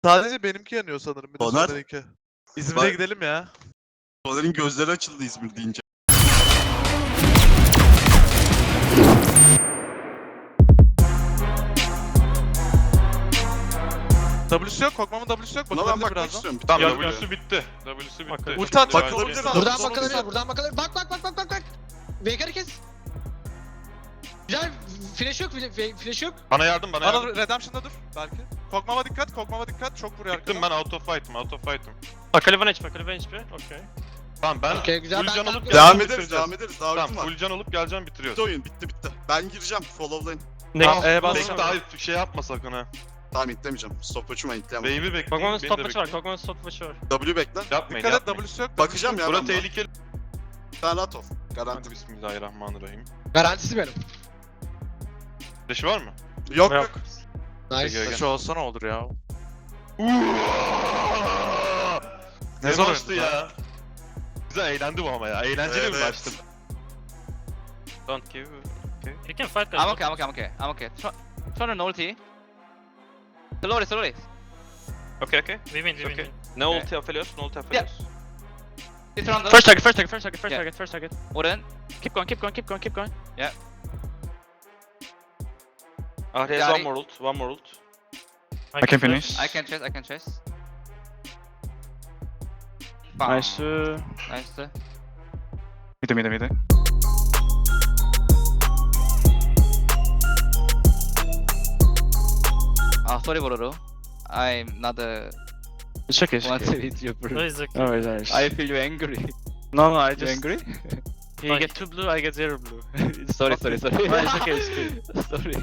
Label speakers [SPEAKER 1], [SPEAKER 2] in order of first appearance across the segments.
[SPEAKER 1] Sadece benimki yanıyor sanırım. Bir de
[SPEAKER 2] Soner.
[SPEAKER 1] Soner'inki. İzmir'e
[SPEAKER 2] Bak-
[SPEAKER 1] gidelim ya.
[SPEAKER 2] Soner'in gözleri açıldı İzmir deyince.
[SPEAKER 1] W'su yok. Korkmamın W'su yok.
[SPEAKER 2] Buna ben
[SPEAKER 1] Bakılabilir
[SPEAKER 2] bakmak
[SPEAKER 1] birazdan.
[SPEAKER 2] istiyorum.
[SPEAKER 3] Tamam
[SPEAKER 2] W.
[SPEAKER 3] W'su bitti. W'su bitti.
[SPEAKER 1] Ulti at.
[SPEAKER 2] Bak-
[SPEAKER 1] Bakılabilir
[SPEAKER 2] Bak-
[SPEAKER 1] birazdan.
[SPEAKER 4] Buradan
[SPEAKER 1] Son
[SPEAKER 4] bakılabilir,
[SPEAKER 1] ulti at.
[SPEAKER 4] buradan bakılabilir. Bak. Veigar'ı kes. Güzel, flash yok, flash yok.
[SPEAKER 3] Bana yardım, bana yardım.
[SPEAKER 1] Bana Redemption'da dur belki. Korkmama dikkat. Korkmama dikkat. Çok vuruyor
[SPEAKER 3] Gittim
[SPEAKER 1] arkadan.
[SPEAKER 3] ben out of fight'ım.
[SPEAKER 5] Akali 1 HP, Akali 1 HP. Okay.
[SPEAKER 3] Tamam ben
[SPEAKER 4] Okey, güzel,
[SPEAKER 3] full
[SPEAKER 4] ben
[SPEAKER 3] can
[SPEAKER 4] tank
[SPEAKER 3] olup
[SPEAKER 4] yapıyorum.
[SPEAKER 2] Devam
[SPEAKER 3] geleceğim,
[SPEAKER 2] ederiz,
[SPEAKER 3] bitireceğiz.
[SPEAKER 2] devam ederiz. Daha
[SPEAKER 3] Tamam
[SPEAKER 2] ultim var.
[SPEAKER 3] full can olup geleceğim bitiriyoruz.
[SPEAKER 2] Bitti oyun, bitti. Ben gireceğim, follow lane.
[SPEAKER 5] Next.
[SPEAKER 1] Bas.
[SPEAKER 3] Bekle daha şey yapma sakın ha.
[SPEAKER 2] Tamam itlemeyeceğim. Stopwatch'ıma itleyemem.
[SPEAKER 3] Wave'i bekleyin,
[SPEAKER 5] Kog'Maw's
[SPEAKER 3] beni
[SPEAKER 5] top
[SPEAKER 3] de
[SPEAKER 5] push var,
[SPEAKER 3] bekleyin.
[SPEAKER 5] Kog'Maw's top push var.
[SPEAKER 2] W bekle.
[SPEAKER 3] Yapmayın,
[SPEAKER 1] Dikkat et
[SPEAKER 3] yapmayın.
[SPEAKER 1] W'su yok.
[SPEAKER 2] Bakacağım ya
[SPEAKER 3] Bura
[SPEAKER 2] ben buna.
[SPEAKER 3] tehlikeli.
[SPEAKER 2] Sen rahat ol. Garanti.
[SPEAKER 3] Hadi bismillahirrahmanirrahim.
[SPEAKER 4] Garantisi benim.
[SPEAKER 3] Flash'ı var mı?
[SPEAKER 2] Yok
[SPEAKER 5] Yok.
[SPEAKER 2] yok.
[SPEAKER 4] Nice.
[SPEAKER 3] Peki,
[SPEAKER 1] Şu olsa ne olur ya.
[SPEAKER 3] Ne
[SPEAKER 1] zor
[SPEAKER 3] maçtı
[SPEAKER 1] oyundu
[SPEAKER 3] ya. Güzel eğlendi bu ama ya. Eğlenceli bir
[SPEAKER 2] Evet.
[SPEAKER 3] maçtı.
[SPEAKER 5] Don't give. Okay. You can fight guys.
[SPEAKER 6] I'm okay. Turn on ulti. Slowly.
[SPEAKER 5] Okay. We win, we
[SPEAKER 6] Okay.
[SPEAKER 5] win.
[SPEAKER 6] No
[SPEAKER 5] ulti
[SPEAKER 6] Aphelios. It's around
[SPEAKER 5] First target,
[SPEAKER 6] Yeah.
[SPEAKER 5] first target.
[SPEAKER 6] Oren.
[SPEAKER 5] Keep going.
[SPEAKER 6] There's
[SPEAKER 5] Yari.
[SPEAKER 6] one more ult.
[SPEAKER 5] I can finish.
[SPEAKER 6] I can chase.
[SPEAKER 5] Nice.
[SPEAKER 6] Nice.
[SPEAKER 5] Mide.
[SPEAKER 6] Sorry bro. I'm not
[SPEAKER 5] It's okay,
[SPEAKER 6] want to hit you bro.
[SPEAKER 5] it's okay. Alright.
[SPEAKER 6] I feel you angry.
[SPEAKER 5] No, I
[SPEAKER 6] You
[SPEAKER 5] just...
[SPEAKER 6] angry?
[SPEAKER 5] You get 2 blue, I get 0 blue.
[SPEAKER 6] Sorry.
[SPEAKER 5] No, it's okay, it's okay.
[SPEAKER 6] Sorry.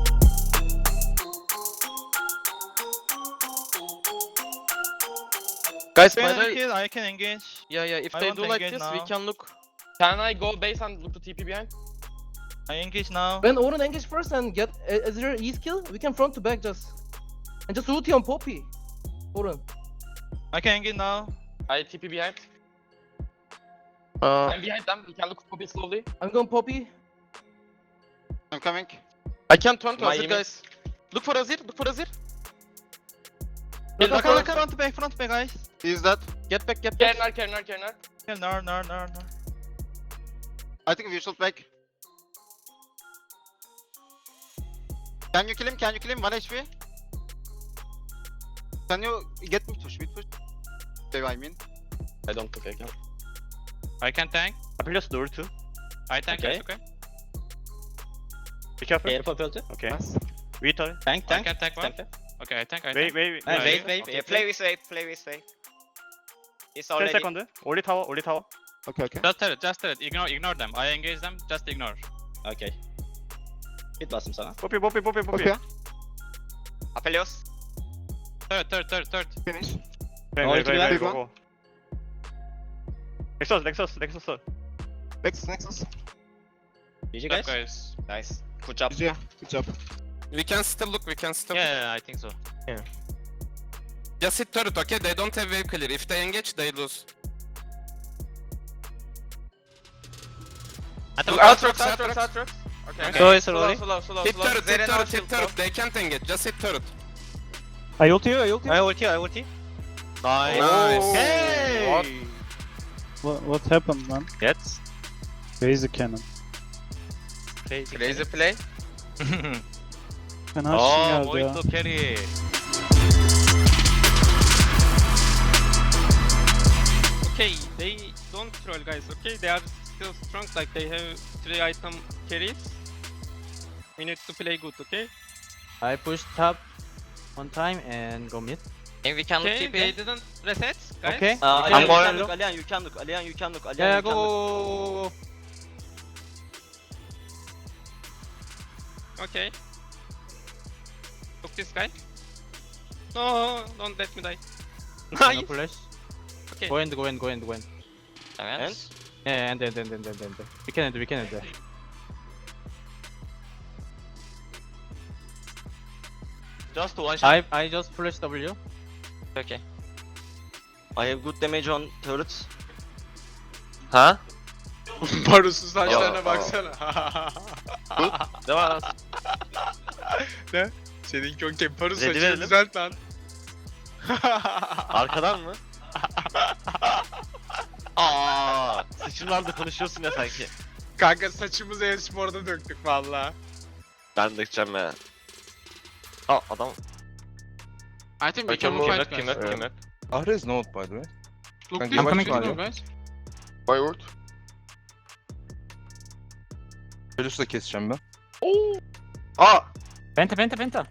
[SPEAKER 5] Guys,
[SPEAKER 7] By
[SPEAKER 5] by
[SPEAKER 7] the
[SPEAKER 5] the
[SPEAKER 7] way, I can engage.
[SPEAKER 5] yeah, if
[SPEAKER 7] I
[SPEAKER 5] they
[SPEAKER 7] want
[SPEAKER 5] do
[SPEAKER 7] to
[SPEAKER 5] like
[SPEAKER 7] engage
[SPEAKER 5] this, we
[SPEAKER 7] now.
[SPEAKER 5] can look. Can I go base and look to TP behind?
[SPEAKER 7] I engage now.
[SPEAKER 8] When Oren engage first and get Ezreal E skill, we can front to back just. And just ulti on Poppy. Oren.
[SPEAKER 7] I can engage now.
[SPEAKER 5] I TP behind. I'm behind them. We can look Poppy slowly.
[SPEAKER 8] I'm going Poppy.
[SPEAKER 6] I'm coming.
[SPEAKER 5] I can turn to
[SPEAKER 6] My
[SPEAKER 5] Azir,
[SPEAKER 6] image.
[SPEAKER 5] guys. Look for Azir.
[SPEAKER 8] Look,
[SPEAKER 5] Back,
[SPEAKER 8] look,
[SPEAKER 7] Front back guys.
[SPEAKER 6] Is that?
[SPEAKER 5] Get back. Kernar.
[SPEAKER 7] Yeah, no.
[SPEAKER 6] I think we should back. Can you kill him? 1 HP. Can you get mid push? Okay, I mean.
[SPEAKER 5] I don't think I can.
[SPEAKER 7] I can tank.
[SPEAKER 5] Apelios door too.
[SPEAKER 7] I tank.
[SPEAKER 5] Okay.
[SPEAKER 7] It's okay.
[SPEAKER 5] Be careful.
[SPEAKER 7] Careful, filter.
[SPEAKER 5] Okay. Wait, tank.
[SPEAKER 7] I can tank one. Okay, I tank.
[SPEAKER 5] Wait.
[SPEAKER 6] Wait. Play with wave. It's
[SPEAKER 5] 10
[SPEAKER 6] already.
[SPEAKER 5] second. Only tower.
[SPEAKER 6] Okay.
[SPEAKER 7] Just tell it. Ignore them. I engage them. Just ignore.
[SPEAKER 5] Okay. Hit bastım sana. Poppy.
[SPEAKER 6] Aphelios.
[SPEAKER 7] Third.
[SPEAKER 6] Finish.
[SPEAKER 5] Wait, go. Nexus.
[SPEAKER 6] Nexus.
[SPEAKER 5] GG
[SPEAKER 7] Guys.
[SPEAKER 6] Nice.
[SPEAKER 5] Good job.
[SPEAKER 6] Good job.
[SPEAKER 9] We can still look,
[SPEAKER 7] Yeah, I think so.
[SPEAKER 9] Just hit turret, okay? They don't have wave clear. If they engage, they lose.
[SPEAKER 5] Aatrox. Okay.
[SPEAKER 6] Slow.
[SPEAKER 9] Hit turret. They can't engage. Just hit turret.
[SPEAKER 5] I ulti. Nice.
[SPEAKER 9] Nice.
[SPEAKER 5] Hey!
[SPEAKER 10] What happened, man?
[SPEAKER 5] Get.
[SPEAKER 10] Crazy cannon.
[SPEAKER 6] Crazy play.
[SPEAKER 10] Fena
[SPEAKER 5] Oh,
[SPEAKER 10] geldi ya.
[SPEAKER 5] muito carry.
[SPEAKER 7] Okay, they don't troll guys, okay? They are still strong, like they have 3 item carries. We need to play good, okay?
[SPEAKER 10] I push top one time and go mid.
[SPEAKER 6] We can
[SPEAKER 7] Okay, they didn't reset, guys.
[SPEAKER 10] Okay.
[SPEAKER 5] I'm going low.
[SPEAKER 6] Alian, you can look.
[SPEAKER 10] Yeah, go.
[SPEAKER 7] Okay. Look this guy. No, don't let me die.
[SPEAKER 10] No flash.
[SPEAKER 7] Okay.
[SPEAKER 10] Go end.
[SPEAKER 6] And?
[SPEAKER 10] Yeah, and. We can end.
[SPEAKER 5] Just one shot.
[SPEAKER 10] I just flash W.
[SPEAKER 6] Okay. I have good damage on turrets.
[SPEAKER 5] Ha?
[SPEAKER 4] Barus'un
[SPEAKER 6] saçlarına
[SPEAKER 4] baksana.
[SPEAKER 5] Devam.
[SPEAKER 4] Seninki okey. Barus
[SPEAKER 5] Ready
[SPEAKER 4] saçını
[SPEAKER 5] verelim.
[SPEAKER 4] düzelt lan.
[SPEAKER 6] Arkadan mı? Aa, sıçımlarda konuşuyorsun ya sanki.
[SPEAKER 4] Kanka saçımızı e-sporda döktük valla.
[SPEAKER 6] Ben dökeceğim ya. Aa adam.
[SPEAKER 4] I think we can move fight guys.
[SPEAKER 6] Kim?
[SPEAKER 11] Ahri is node by the way.
[SPEAKER 4] Look
[SPEAKER 11] I'm
[SPEAKER 4] this,
[SPEAKER 11] coming
[SPEAKER 4] let's
[SPEAKER 11] to
[SPEAKER 4] go
[SPEAKER 11] you.
[SPEAKER 4] guys.
[SPEAKER 2] By word.
[SPEAKER 11] Pelus'la keseceğim ben.
[SPEAKER 2] Aa!
[SPEAKER 10] Penta.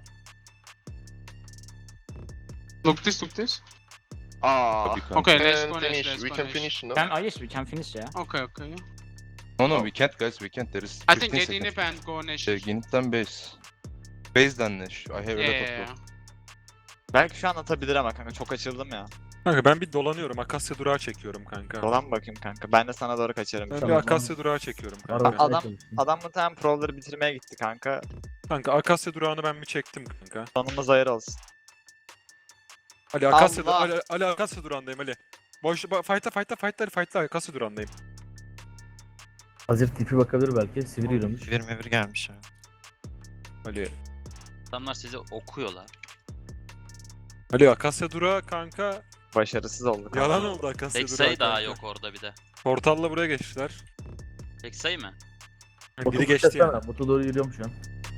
[SPEAKER 4] Look this.
[SPEAKER 2] Aa!
[SPEAKER 11] Tabii kanka.
[SPEAKER 4] Okay, let's go next, let's
[SPEAKER 9] We
[SPEAKER 4] go
[SPEAKER 9] can
[SPEAKER 4] next.
[SPEAKER 9] finish, no?
[SPEAKER 10] Yes, we can finish, yeah.
[SPEAKER 4] Okay.
[SPEAKER 11] No, we can't guys, we can't. There is
[SPEAKER 4] I think
[SPEAKER 11] 15
[SPEAKER 4] get
[SPEAKER 11] seconds.
[SPEAKER 4] inip and go next.
[SPEAKER 11] Genit'ten base. Base'den Neş. I have a lot of
[SPEAKER 4] Yeah.
[SPEAKER 11] loot.
[SPEAKER 6] Belki şu an atabilir ama kanka çok açıldım ya.
[SPEAKER 3] Kanka ben bir dolanıyorum. Akasya durağı çekiyorum kanka.
[SPEAKER 6] Dolan bakayım kanka. Ben de sana doğru kaçarım.
[SPEAKER 3] Ben bir Akasya durağı çekiyorum kanka.
[SPEAKER 6] Adam muhtemelen provları bitirmeye gitti kanka.
[SPEAKER 3] Kanka Akasya durağını ben bir çektim kanka.
[SPEAKER 6] Sonumuz hayır olsun.
[SPEAKER 3] Ali Akasya,
[SPEAKER 6] Allah!
[SPEAKER 3] Ali Akasya durağındayım Ali. Fight'la Akasya durağındayım.
[SPEAKER 10] Hazır tipi bakabilir belki. Sivri yürümüş.
[SPEAKER 6] Bir gelmiş ya.
[SPEAKER 3] Ali.
[SPEAKER 5] Adamlar sizi okuyorlar.
[SPEAKER 3] Ali Akasya durağı kanka.
[SPEAKER 6] Başarısız oldu kanka.
[SPEAKER 3] Yalan oldu Akasya
[SPEAKER 5] Tek
[SPEAKER 3] durağı
[SPEAKER 5] sayı daha
[SPEAKER 3] kanka.
[SPEAKER 5] yok orada bir de.
[SPEAKER 3] Portalla buraya geçtiler.
[SPEAKER 5] Tek sayı mı?
[SPEAKER 3] Biri geçti yani.
[SPEAKER 10] Botu doğru yürüyorum şu an.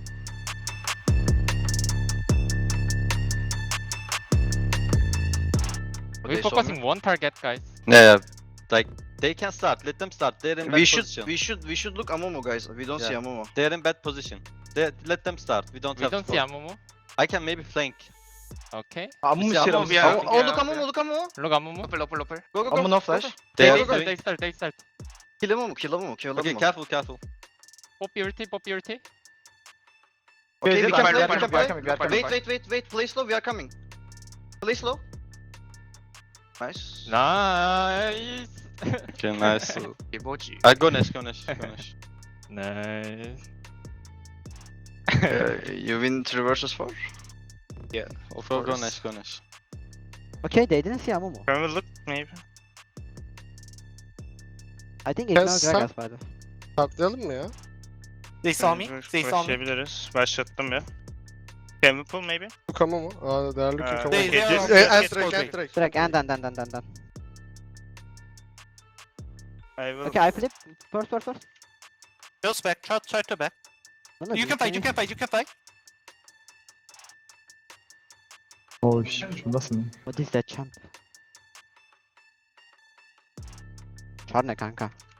[SPEAKER 2] We focusing
[SPEAKER 7] one target guys.
[SPEAKER 6] Yeah, like they can start. Let them start. They're in bad position.
[SPEAKER 2] we should look Amomo guys. We don't
[SPEAKER 6] Yeah.
[SPEAKER 2] see Amomo.
[SPEAKER 6] They're in bad position. Let them start. We don't have to stop.
[SPEAKER 7] Amumu.
[SPEAKER 6] I can maybe flank.
[SPEAKER 7] Okay.
[SPEAKER 2] Amomo
[SPEAKER 6] See Amomo,
[SPEAKER 2] yeah.
[SPEAKER 6] Amomo.
[SPEAKER 2] Oh, look Amomo.
[SPEAKER 7] Look Amumu.
[SPEAKER 2] Upper. Go.
[SPEAKER 6] no flash.
[SPEAKER 7] They
[SPEAKER 6] They are
[SPEAKER 7] start.
[SPEAKER 2] Kill Amomo.
[SPEAKER 6] Okay, careful.
[SPEAKER 7] Pop purity.
[SPEAKER 2] Okay, we can play.
[SPEAKER 6] we
[SPEAKER 2] We
[SPEAKER 6] can
[SPEAKER 2] can
[SPEAKER 6] play.
[SPEAKER 2] play. Wait. Play slow. We are coming. Play slow. Nice.
[SPEAKER 7] Nice.
[SPEAKER 6] Okay, nice.
[SPEAKER 2] Kibochi.
[SPEAKER 6] Go Nesh.
[SPEAKER 7] Nice.
[SPEAKER 2] You win 3 versus 4?
[SPEAKER 6] Yeah,
[SPEAKER 2] of
[SPEAKER 6] Go
[SPEAKER 2] course.
[SPEAKER 6] Nesh.
[SPEAKER 10] Okay, they didn't see Amumu.
[SPEAKER 6] Can we look maybe?
[SPEAKER 10] I think
[SPEAKER 9] ignore Gragas,
[SPEAKER 10] by the
[SPEAKER 9] Saklayalım mı ya?
[SPEAKER 6] They
[SPEAKER 5] Başlayabiliriz. Başlattım ya. Can we pull maybe?
[SPEAKER 9] Kukama mı? Aa değerli Kukama.
[SPEAKER 5] They-
[SPEAKER 10] Track and.
[SPEAKER 5] I will.
[SPEAKER 10] Okay, I flip. First.
[SPEAKER 5] Just back. Try to back.
[SPEAKER 10] No,
[SPEAKER 5] You can fight.
[SPEAKER 10] Oh shit, şundasın. What is that champ? Çar ne kanka?